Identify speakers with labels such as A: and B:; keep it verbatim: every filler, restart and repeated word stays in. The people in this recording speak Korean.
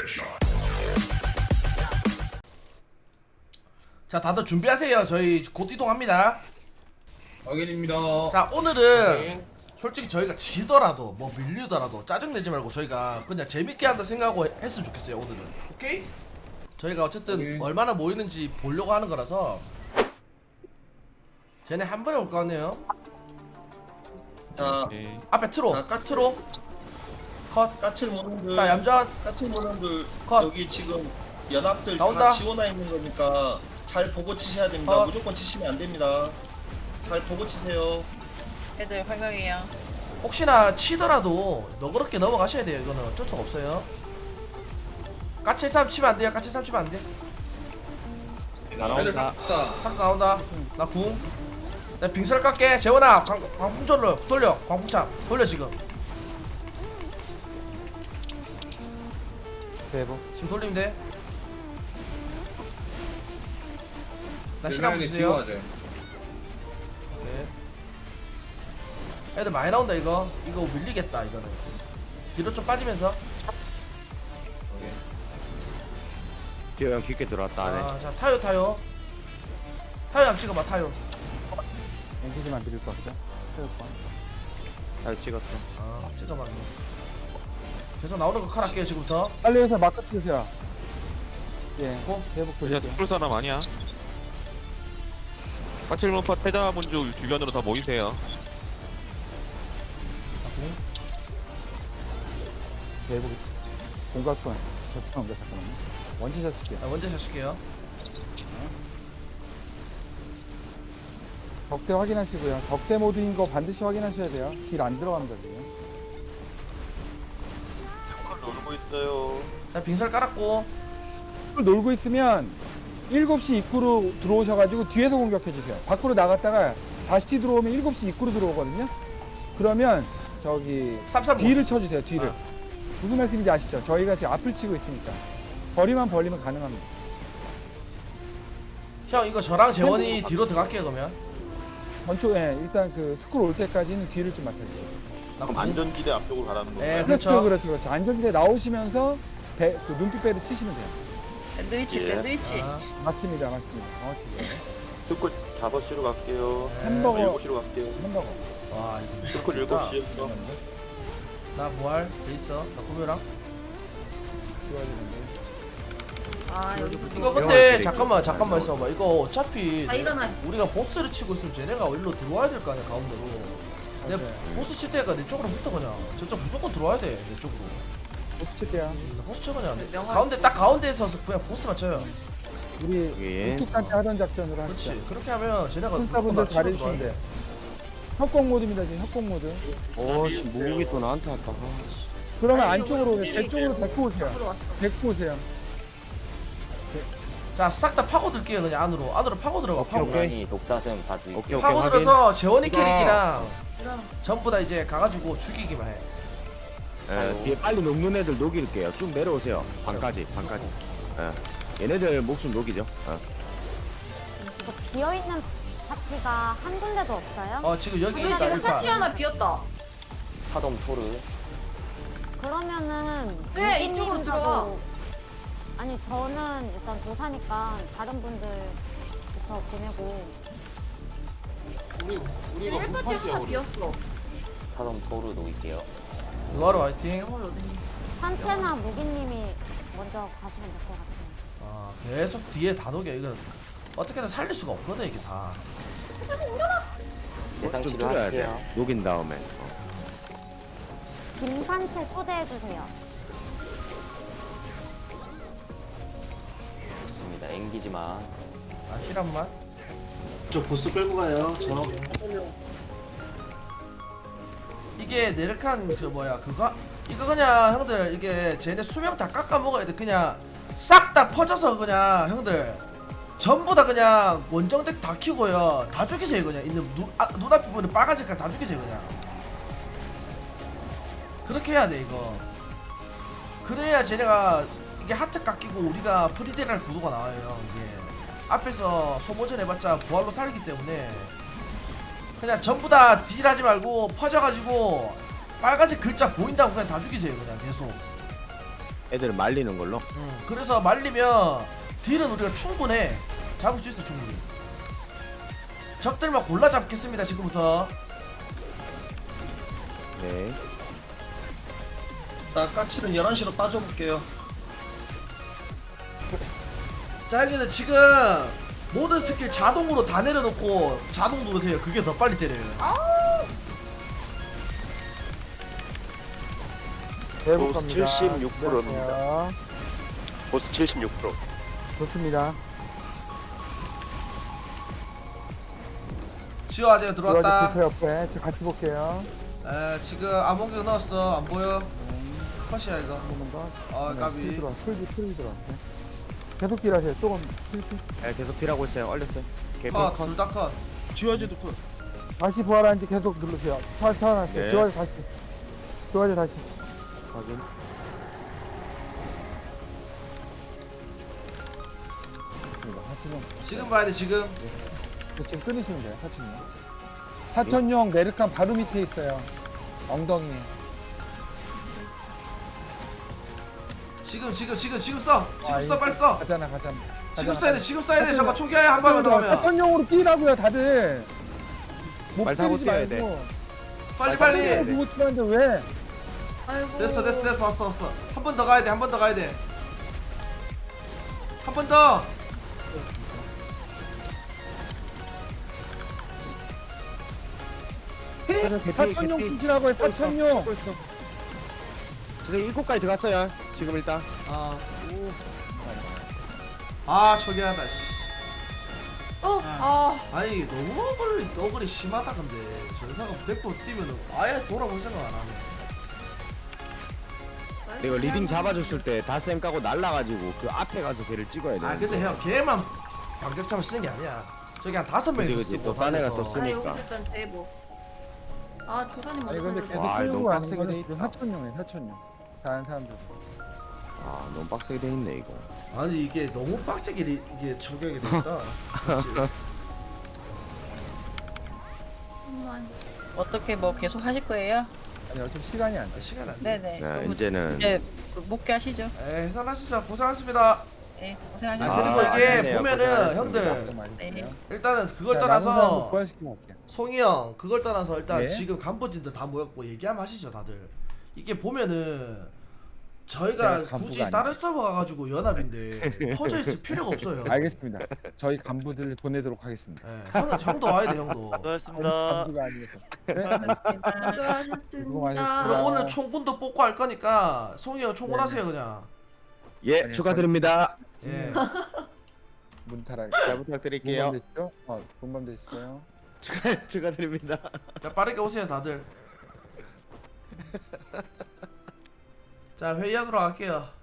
A: 자, 다들 준비하세요. 저희 곧 이동합니다.
B: 확인입니다.
A: 자, 오늘은
B: 확인.
A: 솔직히 저희가 지더라도 뭐 밀리더라도 짜증내지 말고 저희가 그냥 재밌게 한다 생각하고 했으면 좋겠어요. 오늘은. 오케이? 저희가 어쨌든
B: 오케이.
A: 얼마나 모이는지 보려고 하는 거라서 쟤네 한 번에 올 거 같네요.
C: 자,
D: 오케이.
A: 앞에 트로
C: 자, 까치.
A: 트로 컷.
C: 까칠 모놈들,
A: 자, 얌전
C: 까칠 모놈들
A: 컷.
C: 여기 지금 연합들
A: 나온다.
C: 다 지원해 있는 거니까 잘 보고 치셔야 됩니다.
A: 컷.
C: 무조건 치시면 안 됩니다. 잘 보고 치세요.
E: 애들 활강해요.
A: 혹시나 치더라도 너그럽게 넘어가셔야 돼요. 이거는 어쩔 수가 없어요. 까치 삼 치면 안 돼요. 까치 삼 치면 안 돼.
B: 애들
D: 날아온다.
B: 싹다.
A: 싹 나온다. 나 궁. 나 빙설 깎게. 재원아, 광, 광풍절로 돌려. 광풍참 돌려 지금.
D: 대박.
A: 지금 돌리면 돼. 나 시간
B: 대단하게
A: 주세요.
B: 지워야죠.
A: 네. 애들 많이 나온다 이거. 이거 밀리겠다 이거는. 뒤로 좀 빠지면서.
B: 오케이.
D: 기어 형 깊게 들어왔다 안에.
A: 아, 자 타요 타요. 타요 한 찍어봐 타요.
F: 엔티지만 드릴 것 같죠? 체육관.
D: 잘 찍었어.
A: 아 찍어봐. 계속 나오는 거 칼할게요 지금부터.
F: 빨리 해서 마크 주세요. 예,
A: 고.
F: 대복
D: 이제
F: 드릴게요.
D: 풀 사람 아니야. 까칠문파 태자문주 주변으로 다 모이세요.
F: 대복 공각권. 죄송합니다. 잠깐만요. 원치샷 칠게요.
A: 아, 먼저 샷실게요.
F: 적대 확인하시고요. 적대 모드인 거 반드시 확인하셔야 돼요. 길 안 들어갑니다, 지금.
D: 스쿨 놀고 있어요.
A: 자 빙설 깔았고.
F: 술 놀고 있으면 일곱 시 입구로 들어오셔가지고 뒤에서 공격해주세요. 밖으로 나갔다가 다시 들어오면 일곱 시 입구로 들어오거든요. 그러면 저기
A: 쌈쌈
F: 뒤를
A: 모스.
F: 쳐주세요, 뒤를.
A: 아.
F: 무슨 말씀인지 아시죠? 저희가 지금 앞을 치고 있으니까. 거리만 벌리면 가능합니다.
A: 형 이거 저랑 재원이 뒤로 들어갈게요 그러면.
F: 전초에 일단 그 스쿨 올 때까지는 뒤를 좀 맡아주세요.
A: 나 궁.
D: 안전지대 앞쪽으로 가라는 거.
A: 네
F: 그렇죠,
A: 그렇죠.
F: 그렇죠, 그렇죠. 안전지대 나오시면서 배, 그 눈빛배를 치시면 돼요.
E: 샌드위치,
D: 예.
E: 샌드위치.
A: 아,
F: 맞습니다, 맞습니다. 정확히 그래요.
D: 스쿨 다섯 시로 갈게요.
A: 네.
F: 햄버거.
D: 일곱 시로 갈게요.
F: 햄버거.
A: 와 이거
D: 스쿨 일곱 시였어.
A: 나 부활 돼 있어. 나 구매랑.
F: 좋아야 되는데.
E: 아, 여기
A: 이거 근데 잠깐만 잠깐만 있어봐. 이거 어차피
E: 아, 일어나.
A: 우리가 보스를 치고 있으면 쟤네가 일로 들어와야 될 거 아니야 가운데로. 내가
F: 맞아요.
A: 보스 칠 때가 내 쪽으로 붙어 그냥. 저쪽 무조건 들어와야 돼 내 쪽으로.
F: 못 칠게요.
A: 나 보스 쳐 그냥.
E: 명확히.
A: 가운데 딱 가운데에서 그냥 보스만 쳐요.
F: 우리
D: 예.
F: 우뚝한테 하던 작전으로 하시죠.
A: 그렇지. 그렇게 하면 쟤네가 무조건
F: hun사분들
A: 나 치고 들어와야
F: 잘해주시는데.
A: 돼.
F: 협공 모드입니다, 지금 협공 모드.
D: 어, 지금 무국이 또 나한테 왔다.
F: 그러면
E: 아니,
F: 안쪽으로,
E: 이거
F: 제 쪽으로 데리고 오세요.
E: 들어왔어.
F: 데리고 오세요.
A: 자, 싹 다 파고들게요 그냥 안으로. 안으로 파고 들어가. 파고.
G: 고양이 독사슴 다 죽이고
D: 오케이 오케이
A: 파고
D: 확인.
A: 들어서 재원이
D: 이거.
A: 캐릭이랑
E: 일어나.
A: 전부 다 이제 가가지고 죽이기만 해.
D: 예, 뒤에 빨리 녹는 애들 녹일게요. 쭉 내려오세요. 반까지 반까지. 예. 얘네들 목숨 녹이죠. 예.
H: 비어있는 파티가 한 군데도 없어요?
A: 어 지금 여기
E: 우리
A: 있다
E: 지금
A: 일파.
E: 파티 하나 비었다.
G: 사덤 토르
H: 그러면은
E: 왜
H: 유기님
E: 이쪽으로 들어와?
H: 하고- 아니 저는 일단 도사니까 다른 분들부터 보내고
E: 우리 헬파티 하나 비었어.
G: 사덤 토르 녹일게요.
A: 이거로 화이팅.
E: 영월 어딨니?
H: 산채나 무기님이 먼저 가시면 될 것 같아요.
A: 아 계속 뒤에 다 녹여. 이건 어떻게든 살릴 수가 없거든 이게 다.
G: 대상
D: 좀
G: 치료
D: 줄여야 돼.
G: 할게요.
D: 녹인 다음에. 어.
H: 김산채 초대해주세요.
G: 좋습니다. 앵기지만
A: 아 힐한만.
C: 저 보스 끌고 가요. 저
A: 이게 네르칸 저 뭐야 그거 이거 그냥 형들 이게 쟤네 수명 다 깎아 먹어야 돼. 그냥 싹 다 퍼져서 그냥 형들 전부 다 그냥 원정덱 다 키고요. 다 죽이세요 그냥. 있는 눈 아, 눈앞에 보이는 빨간 색깔 다 죽이세요 그냥. 그렇게 해야 돼 이거. 그래야 쟤네가 이게 하트 깎이고 우리가 프리데랄 구도가 나와요. 이게 앞에서 소모전 해봤자 부활로 살기 때문에 그냥 전부 다 딜하지 말고 퍼져가지고 빨간색 글자 보인다고 그냥 다 죽이세요 그냥 계속.
D: 애들 말리는 걸로.
A: 음, 그래서 말리면 딜은 우리가 충분해. 잡을 수 있어 충분히. 적들만 골라 잡겠습니다 지금부터.
D: 네.
C: 나 까치는 열한 시로 따져볼게요.
A: 자 여기는 지금 모든 스킬 자동으로 다 내려놓고 자동 누르세요. 그게 더 빨리 때려요.
F: 대북
I: 보스
F: 갑니다.
I: 칠십육 퍼센트입니다.
F: 안녕하세요.
I: 보스 칠십육 퍼센트.
F: 좋습니다.
A: 지호 아재 들어왔다.
F: 그 옆에 저 같이 볼게요.
A: 에 지금 암호경 넣었어. 안 보여? 컷이야 이거.
F: 한 번만 더.
A: 아
F: 네,
A: 까비.
F: 풀 들어와. 풀, 풀 들어와. 네. 계속 딜하세요. 조금 풀, 풀.
D: 네, 계속 딜하고 있어요. 얼렸어요. 개피
A: 컷.
D: 컷.
A: 둘 다 컷. 지호아재도 컷.
F: 다시 부활하는지 계속 누르세요. 살, 살아났어요.
D: 네.
F: 지화제 다시. 지화제 다시.
D: 확인.
F: 좋습니다. 사천용.
A: 지금 봐야 돼 지금.
F: 지금 끊으시면 돼요. 사천용. 사천용 메르칸 바로 밑에 있어요. 엉덩이에.
A: 지금 지금 지금 지금 써. 지금
F: 아,
A: 써
F: 이거
A: 빨리 써.
F: 가잖아, 가잖아.
A: 지금
F: 가잖아,
A: 써야 돼. 지금 써야 돼. 잠깐 총기하에 한 발만 더
F: 가잖아.
A: 가면.
F: 사천용으로 뛰라고요, 다들. 못
D: 말 타고
F: 때리지
D: 뛰어야
F: 말고.
A: 빨리
D: 빨리
A: 빨리.
D: 뛰어야 돼.
F: 누구 뛰는데 왜?
E: 아이고.
A: 됐어 됐어 됐어 왔어 왔어. 한 번 더 가야 돼. 한 번 더 가야 돼. 한 번 더.
F: 사천용 쫓으라고 해, 사천용.
D: 지금 입구까지 들어갔어요. 지금 일단.
A: 아. 아 초기하다 씨.
E: 어, 아,
A: 아니 너무 어글이 어글이 심하다 근데 전사가 데리고 뛰면은 아예 돌아볼 생각 안 하네.
D: 내가 리딩 잡아줬을 때 다쌤 까고 날라가지고 그 앞에 가서 걔를 찍어야 돼.
A: 아 근데 형 걔만 반격참을 쓰는 게 아니야. 저기 한 다섯 명이서
D: 그치, 그치.
A: 쓰고
D: 또 딴 애가
A: 다녀서.
D: 또
E: 아
D: 쓰니까.
E: 여기서 일단 대보. 아 조사님
F: 아니
E: 먼저
F: 근데
E: 살려줘.
F: 계속
D: 와,
F: 끌고
D: 너무
F: 가는
D: 빡세게
F: 거는
D: 돼
F: 지금
D: 있다.
F: 사천용이에요, 사천용. 다른 사람들.
D: 아 너무 빡세게 돼 있네 이거.
A: 아니 이게 너무 빡세게 리- 이게 저격이 됐다. 그치?
E: 잠깐만.
J: 어떻게 뭐 계속 하실 거예요?
F: 아니 어차피 시간이 안 돼.
A: 아, 시간 안 돼.
J: 네네.
D: 네,
J: 그럼
D: 이제는
J: 이제 그 목표하시죠.
A: 에 해산하시죠. 고생하셨습니다.
J: 네,
A: 아,
J: 고생하셨습니다.
A: 그리고
D: 아,
A: 이게
D: 아니네요.
A: 보면은
D: 고생하셨습니다.
A: 형들
F: 좀 많이
J: 네.
F: 주세요.
A: 일단은 그걸
F: 자, 남은 사람도
A: 떠나서
F: 부활시키고 갈게요.
A: 송이 형 그걸 떠나서 일단
F: 네.
A: 지금 간부진들 다 모였고 얘기하면 하시죠 다들. 이게 보면은 저희가
F: 내가 간부가
A: 굳이
F: 아니다.
A: 다른 서버 가가지고 연합인데 퍼져 있을 필요가 없어요.
F: 알겠습니다. 저희 간부들 보내도록 하겠습니다.
A: 예, 형은 형도 와야 돼 형도.
F: 간부가 아니어서. 네,
J: 고생하셨습니다.
E: 수고하셨습니다.
F: 수고하셨습니다.
A: 그럼 오늘 총군도 뽑고 할 거니까 송이 형 총군
F: 네네.
A: 하세요 그냥.
D: 예
F: 아니,
D: 축하드립니다.
A: 예.
F: 문타라.
D: 잘 부탁드릴게요.
F: 본밤 되시죠? 어, 본밤 되시죠?
D: 축하 축하드립니다.
A: 자 빠르게 오세요 다들. 자 회의하도록 할게요.